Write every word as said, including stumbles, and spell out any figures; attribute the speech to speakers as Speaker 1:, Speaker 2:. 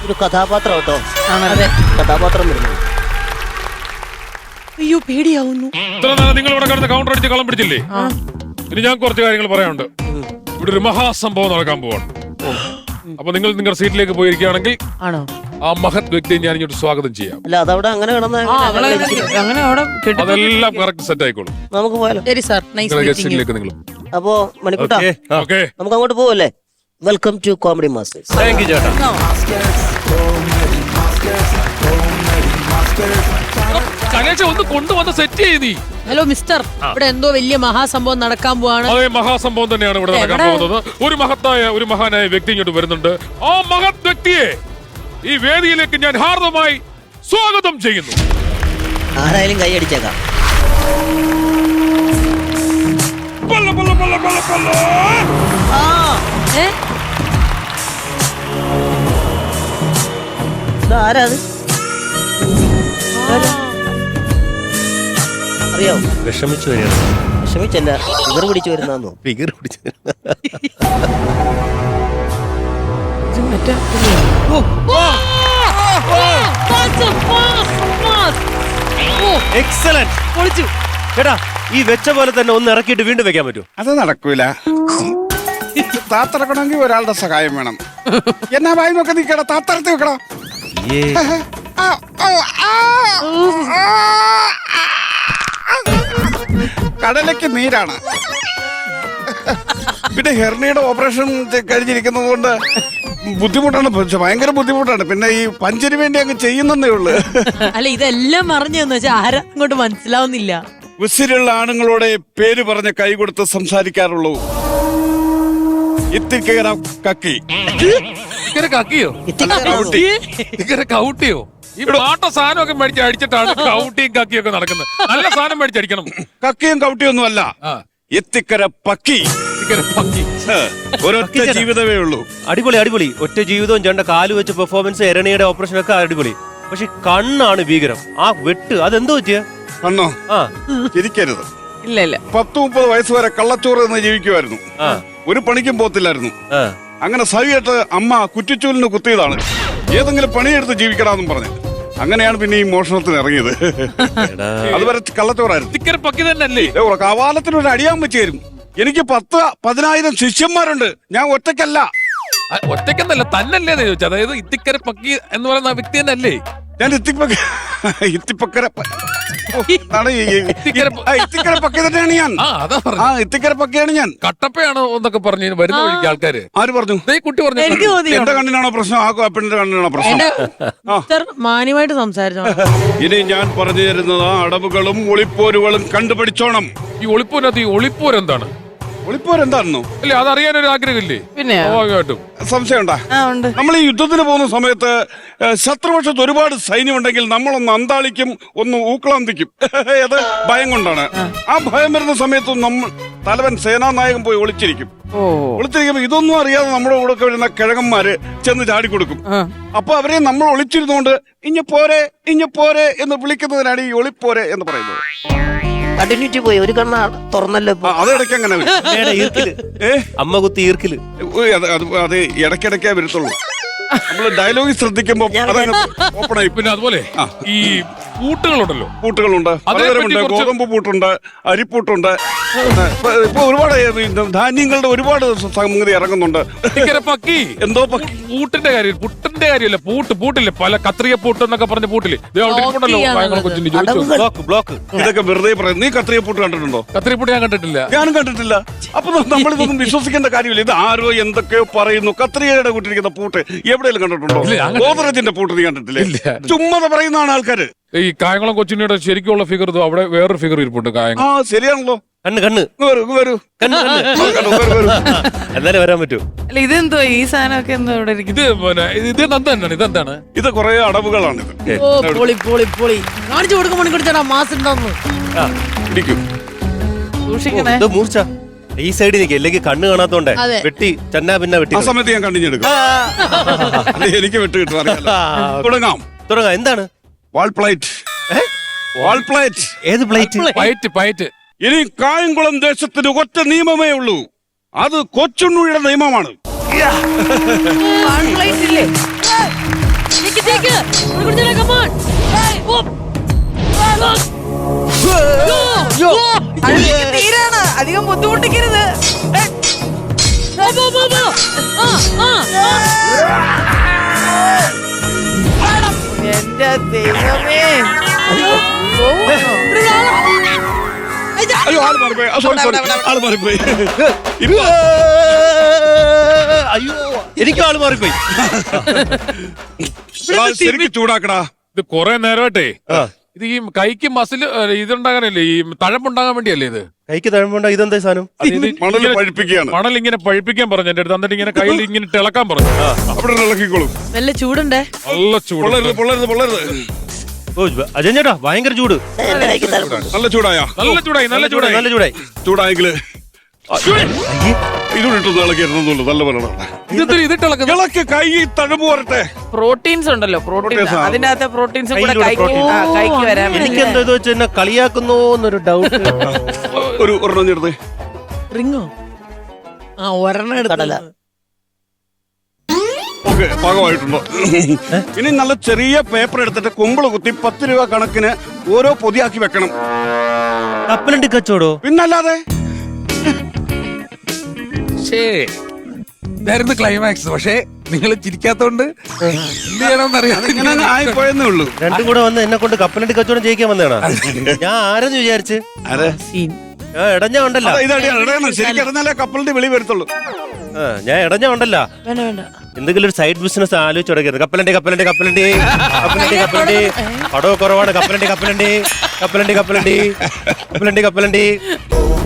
Speaker 1: ഒരു കഥാപാത്രം കേട്ടോ.
Speaker 2: അതെ.
Speaker 1: കഥാപാത്രം വരുന്നു.
Speaker 2: അയ്യോ പേടിയാവുന്നു.
Speaker 3: ഇത്ര നേരം നിങ്ങൾ ഇവിടെ കിടന്ന് കൗണ്ടർ അടിച്ച് കളം പിടിച്ചില്ലേ? ഇനി ഞാൻ കുറച്ച് കാര്യങ്ങൾ പറയാനുണ്ട്. ഇവിടെ ഒരു മഹാസംഭവം നടക്കാൻ പോവാണ്. അപ്പൊ നിങ്ങൾ നിങ്ങളുടെ സീറ്റിലേക്ക് പോയിരിക്കുകയാണെങ്കിൽ
Speaker 2: ആണോ
Speaker 3: ആ മഹത് വ്യക്തിയെ ഞാൻ ഇങ്ങോട്ട് സ്വാഗതം ചെയ്യാം.
Speaker 1: അല്ല അതവിടെ അങ്ങനെ കിടന്ന
Speaker 2: അങ്ങനെ അവിടെ
Speaker 3: അതെല്ലാം കറക്റ്റ് സെറ്റ് ആയിക്കോളും.
Speaker 1: നമുക്ക് പോയാലോ?
Speaker 2: ശരി സാർ, നൈസ്
Speaker 3: നിങ്ങളുടെ
Speaker 2: മീറ്റിംഗ് യു.
Speaker 3: ഗസ്റ്റിലേക്ക് നിങ്ങൾ.
Speaker 1: അപ്പോ മണിക്കൂട്ടാ
Speaker 3: ഓക്കെ,
Speaker 1: നമുക്ക് അങ്ങോട്ട് പോവല്ലേ? Welcome to comedy masters.
Speaker 4: Thank you ചേട്ടാ.
Speaker 3: കനേഷ ഒന്ന് കൊണ്ടുവന്ന് സെറ്റ് ചെയ്തി.
Speaker 2: ഹലോ മിസ്റ്റർ, ഇവിടെ എന്തോ വലിയ മഹാസംഭവം നടക്കാൻ പോവാണ്.
Speaker 3: അതേ മഹാസംഭവം തന്നെയാണ് ഇവിടെ നടക്കാൻ പോകുന്നത്. ഒരു മഹത്തായ ഒരു മഹാനായ വ്യക്തി ഇങ്ങോട്ട് വരുന്നുണ്ട്. ആ മഹത് വ്യക്തിയെ ഈ വേദിയിലേക്ക് ഞാൻ ഹാർദമായി സ്വാഗതം ചെയ്യുന്നു.
Speaker 1: ആരായാലും കൈ അടിച്ചേക്കാം.
Speaker 3: പല്ല, പല്ല, പല്ല, പല്ല, പല്ല.
Speaker 2: ഏ?
Speaker 1: ആരാ അത്? അറിയാവോ?
Speaker 4: വിഷമിച്ചു വരികയാണ്.
Speaker 1: വിഷമിച്ചല്ല, ഫിഗർ പിടിച്ചു വരുന്നു.
Speaker 4: ഫിഗർ പിടിച്ചു.
Speaker 2: ഇത് മറ്റേ ഓ, ഓ, ഓ, പാസ്, പാസ്, പാസ്. ഓ,
Speaker 4: എക്സലന്റ്.
Speaker 2: പൊളിച്ചു.
Speaker 4: ചേട്ടാ ഈ വെച്ച പോലെ തന്നെ ഒന്ന് ഇറക്കിയിട്ട് വീണ്ടും വെക്കാൻ പറ്റുമോ?
Speaker 5: അത് നടക്കൂല. താത്തിറക്കണമെങ്കിൽ ഒരാളുടെ സഹായം വേണം. എന്നാ വായി നോക്ക നിക്കട, താത്തറത്ത് വെക്കടാ. ആ, ഓ, ആ, ആ, കടലയ്ക്ക് നീരാണ്. പിന്നെ ഹെർണിയുടെ ഓപ്പറേഷൻ കഴിഞ്ഞിരിക്കുന്നത് കൊണ്ട് ബുദ്ധിമുട്ടാണ്, ഭയങ്കര ബുദ്ധിമുട്ടാണ്. പിന്നെ ഈ പഞ്ചിന് വേണ്ടി അങ്ങ് ചെയ്യുന്നതേ ഉള്ളു.
Speaker 2: അല്ല ഇതെല്ലാം അറിഞ്ഞെന്ന് വെച്ചാൽ ആരാ അങ്ങോട്ട് മനസ്സിലാവുന്നില്ല.
Speaker 5: ഉസിരുള്ള ആണുങ്ങളോടെ പേര് പറഞ്ഞ് കൈ കൊടുത്ത് സംസാരിക്കാറുള്ളൂ. ഇത്തിക്കേര കക്കി.
Speaker 3: ഇങ്ങനെ കക്കിയോ? ഇങ്ങനെ കൗട്ടിയോ? ഈ പാട്ട സാധനമൊക്കെ മേടിച്ച് അടിച്ചിട്ടാണ് കൗട്ടിയും കക്കിയും ഒക്കെ നടക്കുന്നത്. നല്ല സാധനം മേടിച്ചടിക്കണം.
Speaker 5: കക്കിയും കൗട്ടിയൊന്നും അല്ല, എത്തിക്കര പക്കി. ഒരൊറ്റ ജീവിതമേ ഉള്ളൂ.
Speaker 4: അടിപൊളി അടിപൊളി. ഒറ്റ ജീവിതവും ചേട്ട കാല് വെച്ച് പെർഫോമൻസ്, എരണിയുടെ ഓപ്പറേഷൻ ഒക്കെ അടിപൊളി. പക്ഷെ കണ്ണാണ് ഭീകരം. ആ വെട്ട് അതെന്തോ പറ്റിയ
Speaker 5: കണ്ണോ?
Speaker 4: ആ
Speaker 5: ചിരിക്കരുത്.
Speaker 2: ഇല്ല ഇല്ല,
Speaker 5: പത്ത് മുപ്പത് വയസ്സ് വരെ കള്ളച്ചോറ് എന്ന് ജീവിക്കുമായിരുന്നു. ഒരു പണിക്കും പോത്തില്ലായിരുന്നു. അങ്ങനെ സഹിയായിട്ട് അമ്മ കുറ്റിച്ചൂലിന് കുത്തിയതാണ്. ഏതെങ്കിലും പണിയെടുത്ത് ജീവിക്കണമെന്നും പറഞ്ഞു. അങ്ങനെയാണ് പിന്നെ ഈ മോഷണത്തിന് ഇറങ്ങിയത്. അതുവരെ കള്ളച്ചോറായിരുന്നു. കവാലത്തിന് ഒരു അടിയാൻ വെച്ച് തരും. എനിക്ക് പത്ത് പതിനായിരം ശിഷ്യന്മാരുണ്ട്. ഞാൻ ഒറ്റയ്ക്കല്ല.
Speaker 3: ഒറ്റയ്ക്കെന്നല്ല, തന്നല്ലേ ചോദിച്ചത്. അതായത് ഇത്തിക്കര പക്കി എന്ന് പറയുന്ന വ്യക്തി തന്നെ അല്ലേ?
Speaker 5: ഞാൻ ഇത്തിപ്പക്ക ഇത്തിപ്പക്കര ഇത്തിക്കര പക്കി തന്നെയാണ് ഞാൻ. ആ ഇത്തിക്കര പക്കയാണ് ഞാൻ.
Speaker 3: കട്ടപ്പയാണോ എന്നൊക്കെ പറഞ്ഞു വരുന്ന വഴിക്ക് ആൾക്കാര് ആര് പറഞ്ഞു? കുട്ടി പറഞ്ഞു.
Speaker 5: എന്റെ കണ്ണിനാണോ പ്രശ്നം? ആ പെണ്ണിന്റെ കണ്ണിനാണോ പ്രശ്നം?
Speaker 2: മാന്യമായിട്ട് സംസാരിച്ചോ.
Speaker 5: ഇനി ഞാൻ പറഞ്ഞു തരുന്നത് അടവുകളും ഒളിപ്പോരുകളും കണ്ടുപിടിച്ചോണം.
Speaker 3: ഈ ഒളിപ്പോരത് ഈ ഒളിപ്പോര് എന്താണ്?
Speaker 5: ഒളിപ്പോര് എന്താണെന്നോ?
Speaker 3: അല്ലേ, അതറിയാനൊരു ആഗ്രഹമില്ലേ? പിന്നെ സ്വാഭാവികമായിട്ടും
Speaker 5: സംശയം ഉണ്ടാ. നമ്മൾ ഈ യുദ്ധത്തിന് പോകുന്ന സമയത്ത് ശത്രുപക്ഷത്ത് ഒരുപാട് സൈന്യം ഉണ്ടെങ്കിൽ നമ്മളൊന്ന് അന്താളിക്കും, ഒന്ന് ഊക്കളാന്തിക്കും. അത് ഭയം കൊണ്ടാണ്. ആ ഭയം വരുന്ന സമയത്ത് നമ്മൾ തലവൻ സേനാനായകൻ പോയി ഒളിച്ചിരിക്കും. ഒളിച്ചിരിക്കുമ്പോ ഇതൊന്നും അറിയാതെ നമ്മുടെ കൂടെ വരുന്ന കിഴങ്ങന്മാര് ചെന്ന് ചാടിക്കൊടുക്കും. അപ്പൊ അവരെ നമ്മൾ ഒളിച്ചിരുന്നോണ്ട് ഇഞ്ഞ പോരെ ഇഞ്ഞ പോരെ എന്ന് വിളിക്കുന്നതിനാണ് ഈ ഒളിപ്പോരെ എന്ന് പറയുന്നത്.
Speaker 1: കണ്ടിന്യൂറ്റി പോയി ഒരു കണ്ണ തുറന്നല്ലോ.
Speaker 5: അതിടയ്ക്ക് അങ്ങനെ
Speaker 4: അമ്മ കുത്തി ഈർക്കില്.
Speaker 5: അത് ഇടയ്ക്കിടയ്ക്കേ വരത്തുള്ളൂ. നമ്മള് ഡയലോഗ് ശ്രദ്ധിക്കുമ്പോ ഓപ്പൺ ആയി.
Speaker 3: പിന്നെ അതുപോലെ ഈ പൂട്ടുകളുണ്ടല്ലോ,
Speaker 5: പൂട്ടുകളുണ്ട്, പലതരമുണ്ട്. ഗോതമ്പ് പൂട്ടുണ്ട്, അരിപ്പൂട്ടുണ്ട്. ഇപ്പൊ ഒരുപാട് ധാന്യങ്ങളുടെ ഒരുപാട് സംഗതി ഇറങ്ങുന്നുണ്ട്.
Speaker 3: പക്കി
Speaker 5: എന്തോ പക്കി
Speaker 3: പൂട്ടിന്റെ കാര്യം, പുട്ടിന്റെ കാര്യമല്ല, പൂട്ട് പൂട്ടില്ലേ, പല കത്രിക പൂട്ട് എന്നൊക്കെ പറഞ്ഞ പൂട്ടില്ലേ?
Speaker 4: ബ്ലോക്ക്.
Speaker 5: ഇതൊക്കെ വെറുതെ പറയും. നീ കത്രിക പൂട്ട് കണ്ടിട്ടുണ്ടോ?
Speaker 3: കത്രിക പൂട്ട് ഞാൻ കണ്ടിട്ടില്ല.
Speaker 5: ഞാനും കണ്ടിട്ടില്ല. അപ്പൊ നമ്മളിതൊന്നും വിശ്വസിക്കേണ്ട കാര്യമില്ല. ഇത് ആരോ എന്തൊക്കെയോ പറയുന്നു. കത്രികയുടെ കൂട്ടിരിക്കുന്ന പൂട്ട് എവിടെയെങ്കിലും കണ്ടിട്ടുണ്ടോ? ഗോദ്രജിന്റെ പൂട്ട് നീ കണ്ടിട്ടില്ലേ? ചുമ്മാ പറയുന്നതാണ് ആൾക്കാര്.
Speaker 3: ഈ കായംകുളം കൊച്ചിനിയുടെ ശരിക്കുള്ള ഫിഗർ അവിടെ വേറൊരു ഫിഗർ ഇരിപ്പുണ്ട്. കായംകുളം.
Speaker 5: ആ ശരിയാണല്ലോ.
Speaker 4: കണ്ണ് കണ്ണ്
Speaker 5: വരൂ.
Speaker 4: എന്നാലും വരാൻ പറ്റൂ.
Speaker 2: അല്ല ഇതെന്തോ ഈ സാധനമൊക്കെ എന്തോ ഇവിടെ
Speaker 3: ഇത് ഇത് എന്താണ്? ഇതെന്താണ്?
Speaker 5: ഇത് കുറെ അടവുകളാണ്. ഇത്
Speaker 2: ഓ പൊളി പൊളി പൊളി. കാണിച്ചു കൊടുക്കും മണിക്കൂർ മാസം ഉണ്ടോന്ന്
Speaker 5: പിടിക്കും.
Speaker 2: സൂക്ഷിക്കണേ.
Speaker 4: മൂർച്ച ഈ സൈഡിൽ നിൽക്കുക, അല്ലെങ്കിൽ കണ്ണ് കാണാത്തോണ്ടേ വെട്ടി ചന്നാ പിന്നെ വെട്ടി.
Speaker 5: ആ സമയത്ത് ഞാൻ കണ്ടിഞ്ഞെടുക്കും. എനിക്ക് വെട്ട് കിട്ടും. തുടങ്ങാം
Speaker 4: തുടങ്ങാം. എന്താണ്?
Speaker 5: വാൾ പ്ലേറ്റ്. വാൾ പ്ലേറ്റ്.
Speaker 4: ഏത് പ്ലേറ്റ്?
Speaker 3: പയറ്റ് പയറ്റ്.
Speaker 5: ഇനി കായംകുളം ദേശത്തിന് ഒറ്റ നിയമമേ ഉള്ളൂ. അത് കൊച്ചുണ്ണിയുടെ നിയമമാണ്.
Speaker 2: പിടിച്ചേക്ക്. ഇവിടെ പിടിച്ചേരെ, come on. ഓ. ഓ. ഓ.
Speaker 6: അഴുക്ക് തീരാണ്, അധികം ബുദ്ധിമുട്ടിക്കരുത്.
Speaker 2: പോ, പോ, പോ, പോ. ആ, ആ, ആ.
Speaker 6: എന്റെ ദൈവമേ.
Speaker 2: ഇവിടെ വാ. അയ്യ.
Speaker 5: അയ്യോ ആള് മാറിപ്പോയി സോറി സോറി ആള് മാറിപ്പോയി ഇപ്പൊ
Speaker 4: അയ്യോ എനിക്കും ആള് മാറിപ്പോയി.
Speaker 5: എടാ, ശരിക്കും ചൂടാക്കടാ.
Speaker 3: ഇത് കുറെ നേരമായിട്ടേ
Speaker 4: ആ.
Speaker 3: ഇത് ഈ കൈക്ക് മസിൽ ഇതുണ്ടാകാനല്ലേ ഈ തഴമ്പുണ്ടാകാൻ വേണ്ടിയല്ലേ ഇത്
Speaker 4: കൈക്ക് തഴമ്പുണ്ട ഇതെന്താ സാധനം?
Speaker 3: അത് ഇത്
Speaker 5: മണല്
Speaker 3: ഇങ്ങനെ-
Speaker 5: പഴിപ്പിക്കുകയാണ്.
Speaker 3: മണൽ ഇങ്ങനെ പഴിപ്പിക്കാൻ പറഞ്ഞു എന്റെ അടുത്ത്, എന്നിട്ട് ഇങ്ങനെ കയ്യിൽ ഇങ്ങനെ തിളക്കാൻ പറഞ്ഞു.
Speaker 5: അവിടെ ഇളക്കിക്കോളും.
Speaker 2: നല്ല ചൂടുണ്ടേ.
Speaker 3: നല്ല ചൂട്.
Speaker 5: പൊള്ളരുത് പൊള്ളരുത് പൊള്ളരുത്.
Speaker 4: ഓ അജയൻ ചേട്ടാ ഭയങ്കര ചൂട്.
Speaker 1: എന്റെ കൈക്ക് തലമുണ്ട്.
Speaker 5: നല്ല ചൂടായാ?
Speaker 3: നല്ല ചൂടായി നല്ല ചൂടായി
Speaker 4: നല്ല ചൂടായി.
Speaker 5: ചൂടായെങ്കില് ഇതുകൊണ്ട് ഇട്ടൊന്ന് ഇളക്കിയിരുന്നുള്ളൂ. നല്ല പറയണം.
Speaker 3: ഇതെന്തിനാ ഇതിട്ട് ഇളക്കുന്നത്?
Speaker 5: ഇളക്ക് കൈ തഴമ്പ് വരട്ടെ.
Speaker 6: പ്രോട്ടീൻസ് ഉണ്ടല്ലോ, പ്രോട്ടീൻസ്.
Speaker 5: Proteins ആ.
Speaker 6: അതിന്റെ അകത്തെ പ്രോട്ടീൻസും കൂടെ
Speaker 4: കയ്യിലൂടെ
Speaker 6: കൈക്ക്
Speaker 4: protein.
Speaker 6: ആ, കൈക്ക് വരാൻ വേണ്ടി.
Speaker 4: എനിക്ക് എന്താ ഇത് വെച്ച് എന്നെ കളിയാക്കുന്നോ എന്നൊരു ഡൗട്ട്.
Speaker 5: ഒരു ഒരെണ്ണം ചേർത്ത്
Speaker 2: റിങ്ങോ? ആ ഒരെണ്ണം
Speaker 1: കടല.
Speaker 2: എടുത്തല്ല.
Speaker 5: ഓക്കെ പാകമായിട്ടുണ്ടോ? ഇനി നല്ല ചെറിയ പേപ്പർ എടുത്തിട്ട് കുമ്പിള് കുത്തി പത്ത് രൂപ കണക്കിന് ഓരോ പൊതിയാക്കി വെക്കണം.
Speaker 4: കപ്പലണ്ടി കച്ചോടോ?
Speaker 5: പിന്നല്ലാതെ
Speaker 7: ഇതായിരുന്നു ക്ലൈമാക്സ്. പക്ഷേ നിങ്ങൾ ചിരിക്കാത്തോണ്ട് എന്ത് ചെയ്യണമെന്നറിയാം.
Speaker 5: ഇങ്ങനെ ആയിപ്പോയെന്നേ ഉള്ളൂ.
Speaker 4: രണ്ടും കൂടെ വന്ന് എന്നെ കൊണ്ട് കപ്പലണ്ടി കച്ചവടം ചെയ്യിക്കാൻ വന്നേണ. ഞാൻ ആരെന്ന് വിചാരിച്ച്
Speaker 5: അതെ
Speaker 4: ഞാൻ എടഞ്ഞ ഉണ്ടല്ല.
Speaker 5: ഇതാണ് ശരിക്കും അറിഞ്ഞാലേ കപ്പലിന്റെ വെളി വരത്തുള്ളൂ.
Speaker 4: ആ, ഞാൻ എടഞ്ഞ ഉണ്ടല്ല.
Speaker 2: വേണ്ട വേണ്ട.
Speaker 4: എന്തെങ്കിലും ഒരു സൈഡ് ബിസിനസ് ആലോചിച്ച് തുടങ്ങിയത്. കപ്പലണ്ടി കപ്പലണ്ടി കപ്പലണ്ടി കപ്പലണ്ടി കപ്പലണ്ടി പടവ് കുറവാണ്. കപ്പലണ്ടി കപ്പലണ്ടി കപ്പലണ്ടി കപ്പലണ്ടി കപ്പലണ്ടി കപ്പലണ്ടി